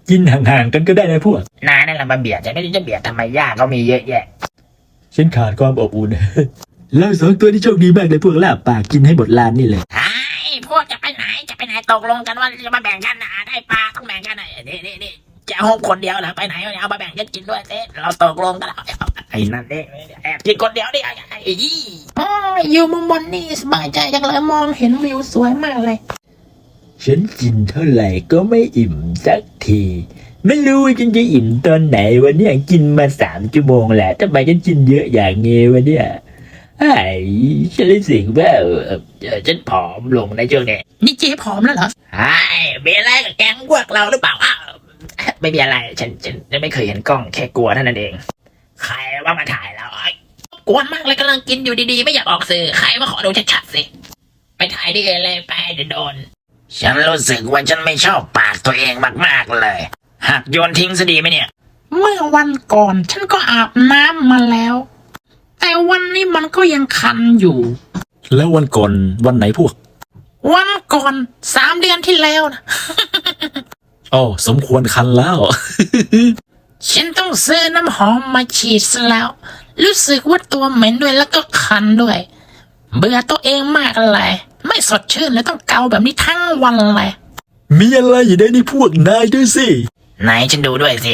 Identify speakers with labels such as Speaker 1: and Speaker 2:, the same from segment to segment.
Speaker 1: กินห่างๆกันก็ได้นะพวก
Speaker 2: นายนั่นแหละมาเบียดจะไม่รู้จะเบียดทำไมยากก็มีเยอะแยะ
Speaker 1: ฉันขาดความอบอุ่นเราสองตัวที่โชคดีมากเลยพวกลาบปากกินให้หมดลานนี่เลย
Speaker 2: ไอ้พวกจะไปไหนตกลงกันว่าจะมาแบ่งกันนะได้ปลาต้องแบ่งกันนะนี่จะห้องคนเดียวเหรอไปไหนเอามาแบ่งกันกินด้วยเต้เราตกลงกันแล้วไอ้นั่นเองแอบกินคนเดียวดิไอ้อยู่มุมบนนี่สบายใจจังเลยมองเห็นวิวสวยมากเลย
Speaker 1: ฉันกินเท่าไหร่ก็ไม่อิ่มสักทีไม่รู้ว่าฉันจะอิ่มตอนไหนวันนี้กินมา3 ชั่วโมงแหละทำไมฉันกินเยอะอย่างเงี้วะเนี่ยไอ้ฉันรู้สึกว่าฉันผอมลงในช่วงนี้
Speaker 2: นี่เจ๊ผอมแล้วเหรอไอ้มีอะไรกับแก๊งพวกเราหรือเปล่าไม่มีอะไรฉันไม่เคยเห็นกล้องแค่กลัวเท่านั้นเองใครว่ามาถ่ายเรากวนมากเลยกำลังกินอยู่ดีๆไม่อยากออกสื่อใครมาขอดูชัดๆสิไปถ่ายดิเลยไปเดี๋ยวโดนฉันรู้สึกว่าฉันไม่ชอบปากตัวเองมากๆเลยหักโยนทิ้งซะดีไหมเนี่ยเมื่อวันก่อนฉันก็อาบน้ำมาแล้วแต่วันนี้มันก็ยังคันอยู่
Speaker 1: แล้ววันก่อนวันไหนพวก
Speaker 2: วันก่อน3 เดือนที่แล้วนะ
Speaker 1: อ๋อสมควรคันแล้ว
Speaker 2: ฉันต้องซื้อน้ำหอมมาฉีดซะแล้วรู้สึกว่าตัวเหม็นด้วยแล้วก็คันด้วยเบื่อตัวเองมากเลยไม่สดชื่นเลยต้องเกาแบบนี้ทั้งวันเลย
Speaker 1: มีอะไรอยู่ในนี่พวกนายด้วยสิ
Speaker 2: นายฉันดูด้วยสิ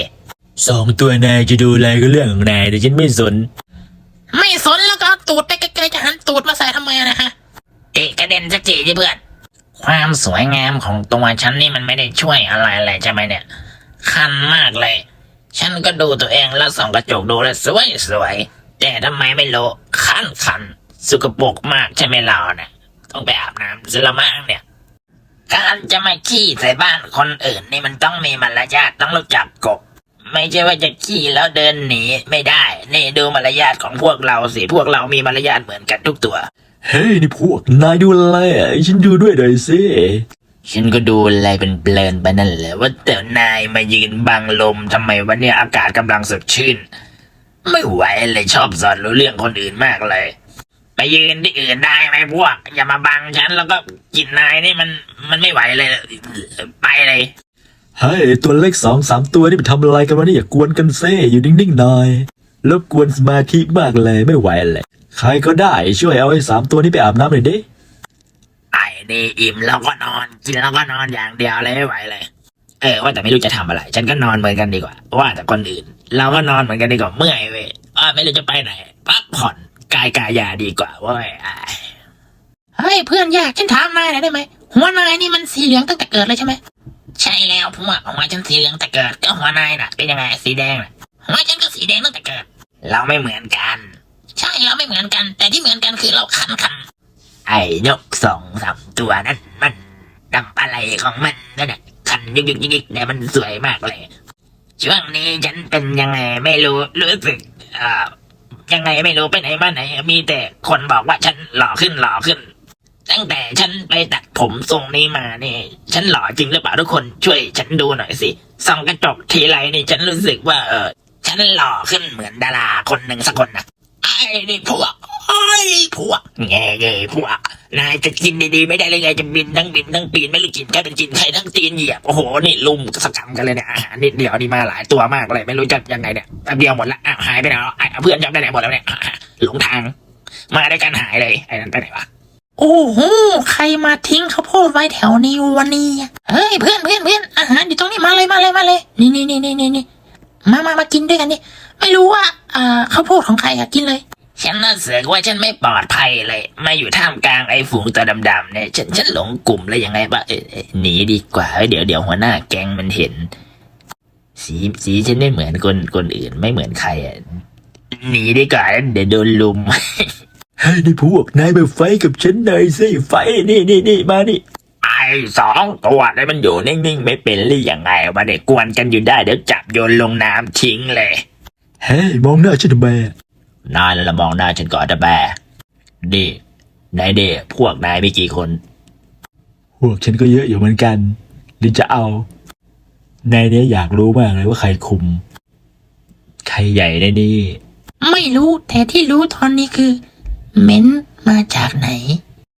Speaker 1: 2 ตัวนายจะดูอะไรก็เรื่องของนายแต่ฉันไม่สน
Speaker 2: แล้วก็ตูดไปไกลๆจะหันตูดมาใส่ทำไมนะฮะกระเด็นสักทีสิเพื่อนความสวยงามของตัวฉันนี่มันไม่ได้ช่วยอะไรเลยใช่ไหมเนี่ยคันมากเลยฉันก็ดูตัวเองแล้วส่องกระจกดูแล้วสวยแต่ทำไมไม่รู้คันสกปรกมากใช่ไหมเราเนี่ยต้องไปอาบน้ำซะละมั้งเนี่ยการจะมาขี้ใส่บ้านคนอื่นนี่มันต้องมีมารยาทต้องรู้จักกฎไม่ใช่ว่าจะขี้แล้วเดินหนีไม่ได้นี่ดูมารยาทของพวกเราสิพวกเรามีมารยาทเหมือนกันทุกตัว
Speaker 1: เฮ้ยนี่พวกนายดูอะไรอ่ะฉันดูด้วยหน่อยสิ
Speaker 2: ฉันก็ดูอะไรเป็นเพลินไปนั่นแหละว่าแต่นายมายืนบังลมทำไมวันนี้อากาศกำลังสดชื่นไม่ไหวเลยชอบสอนรู้เรื่องคนอื่นมากเลยไปยืนที่อื่นได้ไหมพวกอย่ามาบังฉันแล้วก็กินนายนี่มันไม่ไหวเลยไปเลย
Speaker 1: เฮ้ยตัวเล็ก2-3 ตัวนี่ไปทำอะไรกันวะเนี่ยอย่ากวนกันเซ่อยู่นิ่งๆหน่อยรบกวนสมาธิมากเลยไม่ไหวเลยใครก็ได้ช่วยเอาไอ้3 ตัวนี้ไปอาบน้ำหน่อยดิ
Speaker 2: ไอ้นี่อิ่มแล้วก็นอนกินแล้วก็นอนอย่างเดียวเลยไม่ไหวเลยว่าแต่ไม่รู้จะทำอะไรฉันก็นอนเหมือนกันดีกว่าว่าแต่คนอื่นเราก็นอนเหมือนกันดีกว่าเมื่อยเว้ยไม่รู้จะไปไหนพักผ่อนกายาดีกว่าเว้ยเฮ้ยเพื่อนยากฉันถามนายหน่อยได้ไหมหัวนายนี่มันสีเหลืองตั้งแต่เกิดเลยใช่ไหมใช่แล้วผมว่าหัวฉันสีเหลืองแต่เกิดก็หัวนายน่ะเป็นยังไงสีแดงน่ะหัวฉันก็สีแดงตั้งแต่เกิดเราไม่เหมือนกันใช่เราไม่เหมือนกันแต่ที่เหมือนกันคือเราคันไอ้นก2-3 ตัวนั้นมันดำอะไรของมันนั่นแหละคันยิกแต่มันสวยมากเลยช่วงนี้ฉันเป็นยังไงไม่รู้สึกยังไงไม่รู้ไปไหนมาไหนมีแต่คนบอกว่าฉันหล่อขึ้นตั้งแต่ฉันไปตัดผมทรงนี้มานี่ฉันหล่อจริงหรือเปล่าทุกคนช่วยฉันดูหน่อยสิส่องกระจกทีไรนี่ฉันรู้สึกว่าฉันหล่อขึ้นเหมือนดาราคนหนึ่งสักคนนะไอ้นี่พวกแง่พวกนายจะกินดีๆไม่ได้เลยไงจะบินทั้งปีนไม่รู้กินแค่เป็นกินใครทั้งตีนเหยียบโอ้โหนี่ลุมสกรรมกันเลยเนี่ยอาหารนิดเดียวนี่มาหลายตัวมากเลยไม่รู้จะยังไงเนี่ยแป๊บเดียวหมดละหายไปไหนเพื่อนจำได้ไหนหมดแล้วเนี่ยหลงทางมาได้กันหายเลยไอ้นั่นไปไหนวะโอ้โหใครมาทิ้งข้าวโพดไว้แถวนี้วันนี้เฮ้ยเพื่อนอาหารอยู่ตรงนี้มาเลยนี่มากินด้วยกันนี่ไม่รู้ว่าข้าวโพดของใครกินเลยฉันรู้สึกว่าฉันไม่ปลอดภัยเลยมาอยู่ท่ามกลางไอ้ฝูงตัวดำๆเนี่ยฉันหลงกลุ่มเลยยังไงบ้างหนีดีกว่าเดี๋ยวหัวหน้าแก๊งมันเห็นสีฉันไม่เหมือนคนอื่นไม่เหมือนใครหนีดีกว่าเดี๋ยวโดนลุม
Speaker 1: เฮ้ยนี่พวกนายไปไฟกับฉันหน่อยสิไฟนี่มานี่
Speaker 2: ไอ้2 ตัวนี่มันอยู่นิ่งๆไม่เป็นหรือยังไงวะเด็กกวนกันอยู่ได้เดี๋ยวจับโยนลงน้ำทิ้งเลย
Speaker 1: เฮ้ยมองหน้าฉันทำไม
Speaker 2: นายแล้วมองหน้าฉันก่อนนะแบดินายพวกนายมีกี่คน
Speaker 1: พวกฉันก็เยอะอยู่เหมือนกันหรือจะเอานายเนี่ยอยากรู้มากเลยว่าใครคุมใครใหญ่ในนี่
Speaker 2: ไม่รู้แต่ที่รู้ตอนนี้คือเม้นมาจากไหน